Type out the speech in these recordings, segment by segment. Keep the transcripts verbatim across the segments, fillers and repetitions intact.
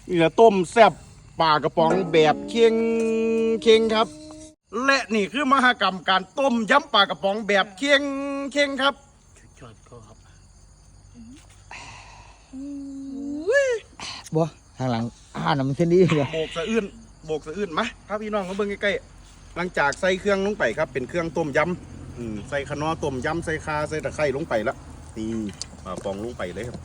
นี่แหละต้มแซ่บปลากระป๋องแบบเค็งเค็งครับและนี่คือมหกรรมการต้มยำปลากระป๋องแบบเค็งเค็งครับจอดก็ครับบ่ทางหลังอ่านมันเส้นดีเลยโบกสะอื้นโบกสะอื้นมาพาพี่น้องมาเบิ่งใกล้ๆหลังจากใส่เครื่องลงไปครับเป็นเครื่องต้มยำอืมใส่ขนอต้มยำใส่คาใส่ตะไคร้ลงไปแล้วนี่ปลากระป๋องลงไปเลยครับ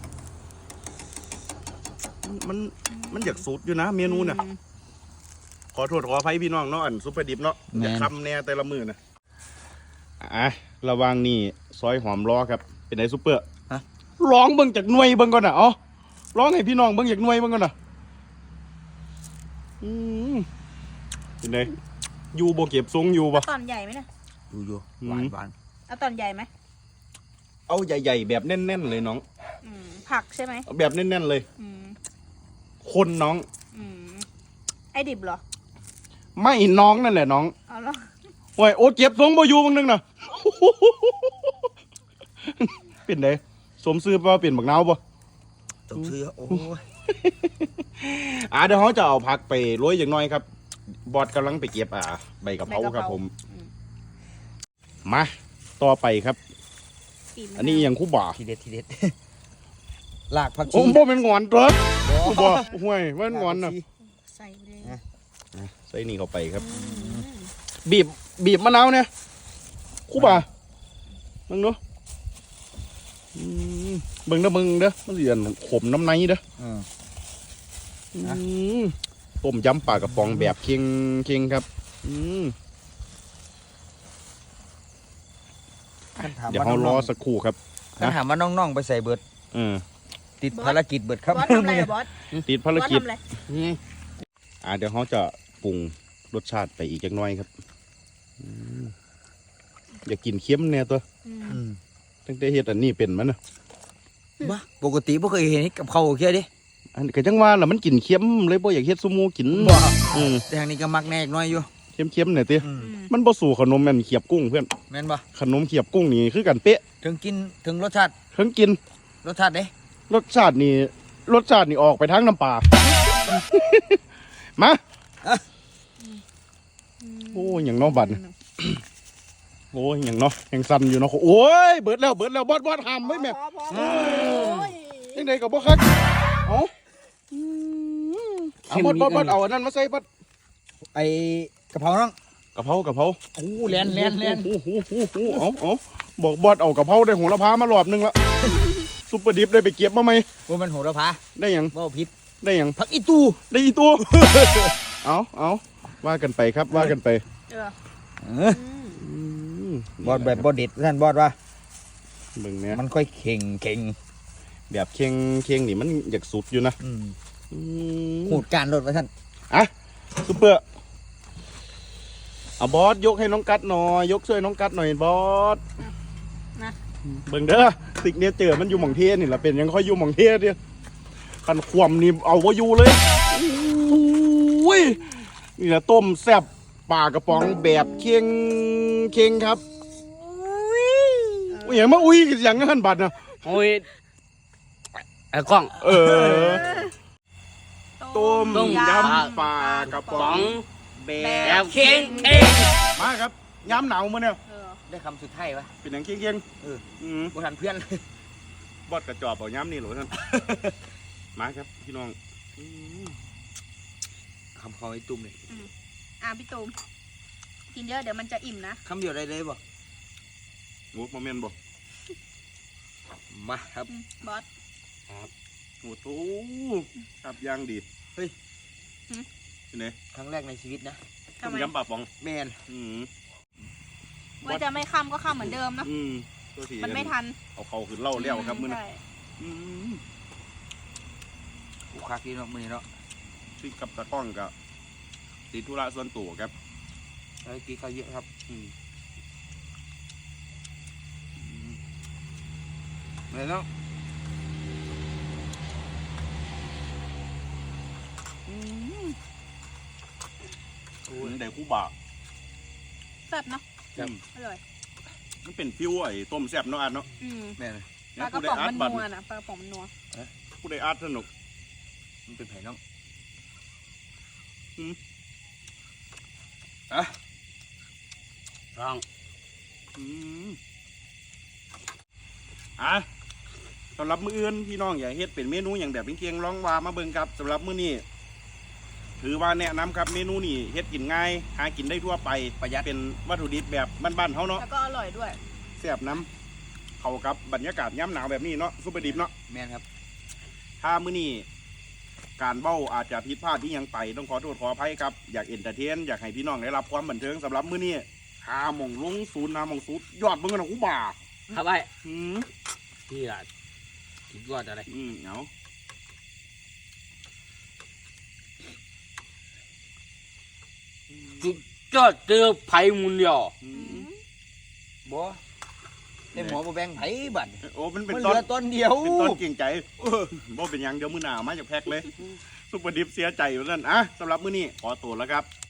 มันมันอยากสูตรอยู่นะเมนูเนี่ยขอโทษขออภัยพี่น้องเนาะอันซุปเปอร์ดิบเนาะอย่าคำแน่แต่ละมือนะอ่ะระวังนี่ซอยหอมล้อครับเป็นไงซุปเปอร์ร้องเบิ่งจากหน่วยเบิ่งก่อนนะอ๋อร้องให้พี่น้องเบิ่งจากหน่วยเบิ่งก่อนนะอืมเป็นไงอยู่โบเก็บทรงอยู่ปะตอนใหญ่ไหมเนี่ยอยู่อยู่หวานหวานเอาตอนใหญ่ไหมเอาใหญ่ๆแบบแน่นๆเลยน้องอืมผักใช่ไหมเอาแบบแน่นๆเลยอืมคนน้องอืมไอ้ดิบเหรอไม่น้องนั่นแหละน้องเอาแล้วโอ้ยโอ้เก็บทรงบ่อยู่บางนึงนะ เป็นไงสมซื้อป่ะเปลี่ยนบักนาวป่ะต้องซื้อโอ้ยอ่าเดี๋ยวเขาจะเอาผักไปโรยอย่างน้อยครับ บอดกำลังไปเก็บอ่าใบกะเพราครับผมอืมมาต่อไปครับปีมะาวอันนี้อย่างคู่บ่าทีเด็ดทีเด็ดลากผักชีโอ้บ่เป็นงอนเด้อคู่บ่ห่วยบ่เป็นงอนน่ะใส่ไปเลยนะอ่ะใส่นี่เข้าไปครับอืมบีบบีบมะนาวเนี่ยคู่บ่ามึงเนาะอืมเบิ่งเด้อเบิ่งเด้อมันสิอันขมน้ำในเด้ออืมอืนะมต้มยำปลากระป๋องแบบเค็งเค็งครับอืม เดี๋ยวเขารอสักครู่ครับคันถามว่าน้องๆไปใส่เบิดเออติดภารกิจเบิดครับบอสทำอะไรอะบอสติดภารบอสกิจทำอะไรอ่าเดี๋ยวเขาจะปรุงรสชาติไปอีกจักหน่อยครับอืมอย่ากินเค็มแน่ตัวอืมอืมตั้งแต่เฮ็ดอันนี้เป็นมันนะบ้าปกติบ่เคยเห็นกับเขาวแค่ดิอันก็จังว่าล่ะมันกินเค็มเลยบ่อยากเฮ็ดซุมูกินบ่อืมแต่ทางนี้ก็มักแน่อีกหน้อยอยู่เค็มๆเนี่ยติอืมอืมมันบ่สู่ขนมแม่นเขียบกุ้งเพื่อนแม่นบ่ขนมเขียบกุ้งนี่คือกันเป๊ะถึงกินถึงรสชาติเพิ่งกินรสชาติเด้รสชาตินี่รสชาตินี่ออกไปทางน้ำปลา มาโอ้ยอย่างน้องบัดน่ะ โอ้ยอย่างเนาะยังสั่นอยู่เนาะโอ้ยเบิดแล้วเบิดแล้วบอดบอดหามไว้แม่พอพอพอโอ้ยยังไงกับบ่คักเอาเอาบอดบอดบอดเอาอันนั้นมาใส่บอดไอ้กะเพราน้องกะเพรากะเพราโอ้แลนแลนแลนโอ้โหโอ้โหเอาเอาบอกบอดเอากะเพราได้หัวละพามารอบนึงละซุปเปอร์ดิฟได้ไปเก็บมาไหมว่ามันโหระพาได้ยังบ่ผิดได้ยังผักอีตูได้อีตัว เอาเอาว่ากันไปครับว่ากันไปเออเอออืมบอดแบบบอดเด็ดท่านบอดว่าเบิ่งเนี่ยมันค่อยเข่งเข่งแบบเคียงเคียงนี่มันอยากสุดอยู่นะอืมอืมหูดการรถว่าท่านอ่ะซุปเปอร์เอาบอสยกให้น้องกัดหน่อยยกช่วยน้องกัดหน่อยบอสนะเบิ่งเด้อสิกเนี่ยเจอมันอยู่หม่องเทนี่แหละเป็นยังค่อยอยู่หม่องเทเดียวคันความนี่เอาไว้อยู่เลยโอ้ยนี่แหละต้มแซ่บปลากระป๋องแบบเคียงเคียงครับอุ้ยอย่างมาอุ้ยอย่างนั้นบัดนะโอ้ยไอ้กล้องเออต้มต้มยยำำปลากระป๋ป๋ออง งแบแบบ บเค้งเค้งมาครับยำหนาวมาเนี่ยเออได้คำสุดท้ายวะเป็นอย่างเคียงเคียงเอออืมบ่ทันเพื่อนบอดกระจอบเอาย้ำนี่เหรอท่าน มาครับพี่น้องอืมคำเขาไอ้ตุ้มเลยอ่ะพี่ตูมกินเยอะเดี๋ยวมันจะอิ่มนะคำเดียวได้เลยบ่โอ้โมเมนต์บอกมาครับอืมบอสโอ้โหครับย่างดีเฮ้ยหืมที่ไหนครั้งแรกในชีวิตนะต้ทำมไมยำปลาป๋องแมนอืมว่าจะไม่ค่ำก็ค่ำเหมือนเดิมเนอะอืมตัวสีมันไม่ทันเอาเขาขึ้นเล่าแล้วครับมื้อนี้ใช่อืมกูคักนี่เนาะมื้อนี้เนาะที่กับตะกล้องกับติดธุระส่วนตัวครับไอ้กี้เขาเยอะครับอืมเลยเนาะโอ้ยได้คู่บ่าแซ่บเนาะอืมอร่อยมันเป็นฟิวไอ้ต้มแซ่บเนาะอันเนาะอืมแม่นเลยปลากระป๋องมันนัวนะปลากระป๋องมันนัวผู้ใดอาร์ตสนุกมันเป็นไผ่น้องอ่ะร้องอืมอ่ะสำหรับมื้ออื่นพี่น้องอยากเฮ็ดเป็นเมนูอย่างแบบเคียงๆลองว่ามาเบิ่งครับสำหรับมื้อนี้ถือว่าแนะนำครับเมนูนี้เฮ็ดกินง่ายหากินได้ทั่วไปประหยัดเป็นวัตถุดิบแบบบ้านๆเฮาเนาะแล้วก็อร่อยด้วยแซ่บน้ำเข้ากับบรรยากาศย่ำหนาวแบบนี้เนาะซุปเปอร์ดิบเนาะแม่นครับถ้ามื้อนี้การเบ้าอาจจะผิดพลาดที่ยังไปต้องขอโทษขออภัยครับอยากเอนเตอร์เทนอยากให้พี่น้องได้รับความบันเทิงสำหรับมื้อนี้หาหม่องลงศูนย์หาหม่องศูนย์ยอดเบิ่งกันนะกูบ่าครับไอ้อืมที่ละกินยอดอะไรอืมเอาจุดยอดเจอไผ่มุนเดียวอืมบ่ได้หมอบ่แบ่งไผบัดโอ้มันเป็นมันเหต้ลืนอต้นเดียวเป็นต้นเก่งใจเออบ่เป็นหยังเดี๋ยวมื้อหน้ามาจากแพ็คเลยซุปเปอร์ดิฟเสียใจอยู่นั่นอ่ะสำหรับมื้อนี้ขอตัวแล้วครับ